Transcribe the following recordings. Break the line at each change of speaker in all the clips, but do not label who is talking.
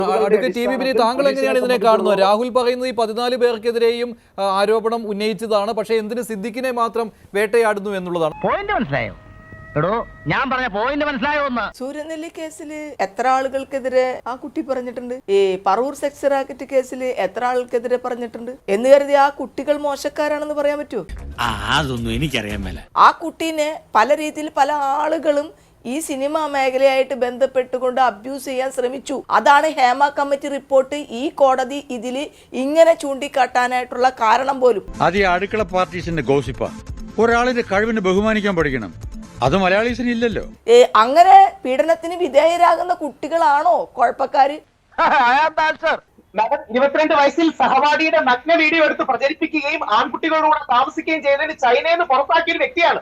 Advocate T. ബിപിനി, താങ്കൾ എങ്ങനെയാണ് ഇതിനെ കാണുന്നത്? രാഹുൽ പറയുന്നത് ഈ 14 പേർക്കെതിരെയും ആരോപണം ഉന്നയിച്ചതാണ്, പക്ഷേ എന്തിന് സിദ്ദിഖിനെ മാത്രം വേട്ടയാടുന്നു എന്നുള്ളതാണ്.
പോയിന്റ് മനസ്സിലായോ? എടോ, ഞാൻ പറഞ്ഞ പോയിന്റ് മനസ്സിലായോ?
സൂര്യനെല്ലി കേസിൽ എത്ര ആളുകൾക്കെതിരെ ആ കുട്ടി പറഞ്ഞിട്ടുണ്ട്? ഈ പറവൂർ സെക്സ് റാക്കറ്റ് കേസിൽ എത്ര ആൾക്കെതിരെ പറഞ്ഞിട്ടുണ്ട്? എന്ന് കരുതി ആ കുട്ടികൾ മോശക്കാരാണെന്ന് പറയാൻ പറ്റുമോ?
അതൊന്നും എനിക്കറിയാൻ മേല.
ആ കുട്ടീനെ പല രീതിയിൽ പല ആളുകളും ഈ സിനിമാ മേഖലയായിട്ട് ബന്ധപ്പെട്ടുകൊണ്ട് അബ്യൂസ് ചെയ്യാൻ ശ്രമിച്ചു. അതാണ് ഹേമ കമ്മിറ്റി റിപ്പോർട്ട് ഈ കോടതി ഇതില് ഇങ്ങനെ ചൂണ്ടിക്കാട്ടാനായിട്ടുള്ള കാരണം പോലും.
അത് ഈ അടുക്കള പാർട്ടീസിന്റെ ഗോസിപ്പ. ഒരാളിന്റെ കഴിവിനെ ബഹുമാനിക്കാൻ പഠിക്കണം. അത് മലയാളീസിന് ഇല്ലല്ലോ.
അങ്ങനെ പീഡനത്തിന് വിധേയരാകുന്ന കുട്ടികളാണോ കുഴപ്പക്കാര്?
22 വയസ്സിൽ സഹപാഠിയുടെ നഗ്ന വീഡിയോ എടുത്ത് പ്രചരിപ്പിക്കുകയും ആൺകുട്ടികളോട് താമസിക്കുകയും ചെയ്തതിന് ചൈനയിൽ നിന്ന് പുറത്താക്കിയ ഒരു വ്യക്തിയാണ്.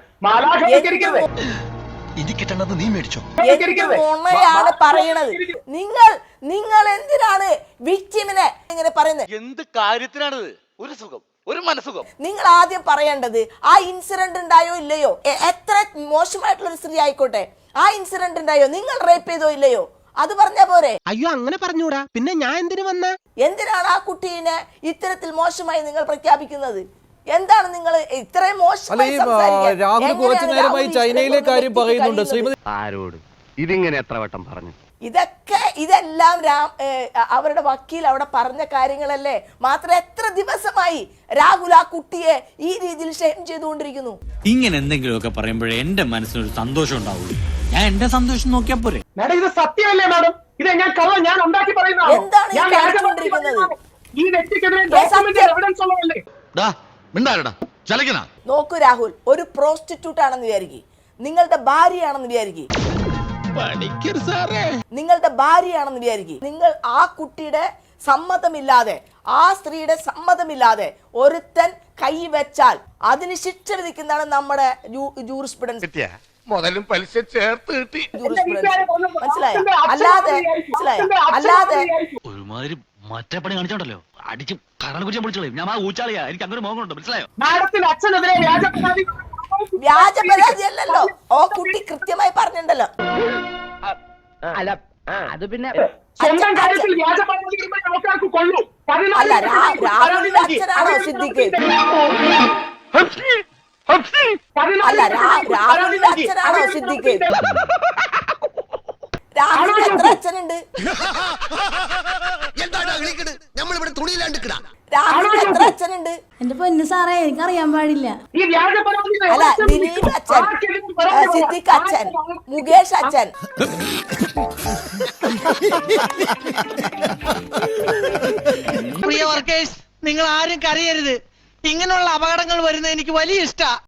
ാണ് പറയണത്. നിങ്ങൾ എന്തിനാണ് വിക്ടിമിനെ ഇങ്ങനെ പറയുന്നത്?
എന്ത് കാര്യത്തിനാണിത്? ഒരു സുഖം, ഒരു മനസുഖം.
നിങ്ങൾ ആദ്യം പറയേണ്ടത് ആ ഇൻസിഡന്റ് ഉണ്ടായോ ഇല്ലയോ. എത്ര മോശമായിട്ടുള്ള ഒരു സ്ത്രീ ആയിക്കോട്ടെ, ആ ഇൻസിഡന്റ് ഉണ്ടായോ, നിങ്ങൾ റേപ്പ് ചെയ്തോ ഇല്ലയോ, അത് പറഞ്ഞാ പോരെ?
അയ്യോ, അങ്ങനെ പറഞ്ഞൂടാ. പിന്നെ ഞാൻ എന്തിനു വന്ന?
എന്തിനാണ് ആ കുട്ടീനെ ഇത്തരത്തിൽ മോശമായി നിങ്ങൾ പ്രഖ്യാപിക്കുന്നത്? എന്താണ് നിങ്ങൾ ഇത്രയും മോശമായി?
രാഹുൽ കുറച്ചു നേരമായി ചൈനയിലെ കാര്യം പറയുന്നുണ്ട്. ശ്രീമതി,
ആരോട് ഇതിങ്ങനെ എത്ര വട്ടം പറഞ്ഞു?
ഇതെല്ലാം അവരുടെ വക്കീൽ അവിടെ പറഞ്ഞ കാര്യങ്ങളല്ലേ. മാത്രം എത്ര ദിവസമായി രാഹുൽ ആ കുട്ടിയെ ഈ രീതിയിൽ ഷെയിം ചെയ്തുകൊണ്ടിരിക്കുന്നു?
ഇങ്ങനെ എന്തെങ്കിലുമൊക്കെ പറയുമ്പോഴേ എന്റെ മനസ്സിനൊരു സന്തോഷം ഉണ്ടാവുള്ളൂ. ഞാൻ എന്റെ സന്തോഷം നോക്കിയാ പോരെ.
മാഡം, ഇത് സത്യമല്ലേ മാഡം? ഇത് ഞാൻ ഉണ്ടാക്കി പറയുന്നതാണ്.
എന്താണ് ഈ കാണിച്ചുകൊണ്ടിരിക്കുന്നത്?
ഈ വ്യക്തിക്കെതിരെ ഡോക്യുമെന്റ് എവിഡൻസ് ഉള്ളതല്ലേ?
നോക്കൂ രാഹുൽ, ഒരു പ്രോസ്റ്റിറ്റ്യൂട്ട് ആണെന്ന് വിചാരിക്കും, നിങ്ങളുടെ ഭാര്യയാണെന്ന് വിചാരിക്കും, നിങ്ങളുടെ ഭാര്യയാണെന്ന് വിചാരിക്കും. നിങ്ങൾ ആ കുട്ടിയുടെ സമ്മതമില്ലാതെ, ആ സ്ത്രീയുടെ സമ്മതമില്ലാതെ ഒരുത്തൻ കൈവച്ചാൽ അതിന് ശിക്ഷ വിധിക്കുന്നതാണ് നമ്മുടെ ജൂറിസ്പ്രുഡൻസ്.
മുതലും പലിശ ചേർത്ത് കിട്ടി.
മനസ്സിലായോ? അല്ലാതെ
ഒരുമാതിരി മറ്റേ പണി കാണിച്ചോണ്ടല്ലോ, അടിച്ച് കരണ കുറിച്ച് പിടിച്ചോളൂ. ഞാൻ ആ ഊച്ചാളിയാ, എനിക്ക് അങ്ങനെ മോഹമുണ്ട്. മനസ്സിലായോ?
വ്യാജ പരാതി അല്ലല്ലോ, ഓ കുട്ടി കൃത്യമായി പറഞ്ഞിട്ടുണ്ടല്ലോ.
അല്ല, അത് പിന്നെ
സ്വന്തം കാര്യത്തിൽ വ്യാജ പരാതി ആൾക്കാർക്ക് കൊള്ളൂ.
അല്ല, രാഹുലിന്റെ അച്ഛനാണോ സിദ്ദിഖ്? അല്ല, രാഹുലിന്റെ അച്ഛനാണോ സിദ്ദിഖ്? രാഹുലിന് എത്ര അച്ഛനുണ്ട്? രാഹുലിന് എത്ര അച്ഛനുണ്ട്?
എന്റെ പൊന്നു സാറേ, എനിക്കറിയാൻ പാടില്ല.
അല്ല, ദിലീപ് അച്ഛൻ, സിദ്ദിഖ് അച്ഛൻ, മുകേഷ് അച്ഛൻ.
പ്രിയ വർക്കേഴ്സ്, നിങ്ങൾ ആരും കരയരുത്. ഇങ്ങനെയുള്ള അപകടങ്ങൾ വരുന്നത് എനിക്ക് വലിയ ഇഷ്ടാ.